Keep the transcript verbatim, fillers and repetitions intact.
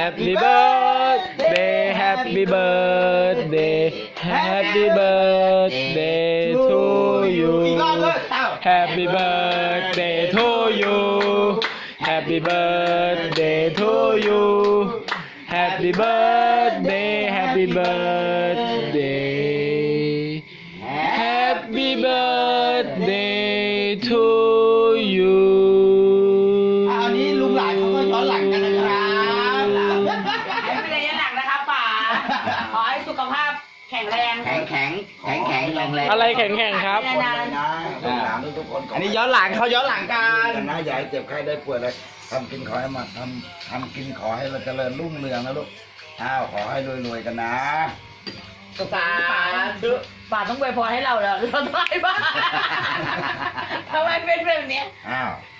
Happy birthday Happy birthday Happy birthday to you Happy birthday to you Happy birthday to you Happy birthday Happy birthday Happy birthday to you อันนี้ลุงหลานเขาก็ย้อนหลังกันนะครับไม่ได้ยันหลังนะคะป๋าขอให้สุขภาพแข็งแรงแข็งแข็งแข็งแข็งแรงแรงอะไรแข็งๆครับนานนะลูกหลานทุกคนอันนี้ย้อนหลังเขาย้อนหลังกันนะอย่าให้เจ็บไข้ได้ป่วยเลยทำกินขอให้มาทำทำกินขอให้เราเจริญรุ่งเรืองนะลูกอ้าวขอให้รวยๆกันนะสาธุป๋าต้องอวยพรให้เราเหรอเราได้บ้างทำไมเป็นแบบเนี้ยอ้าว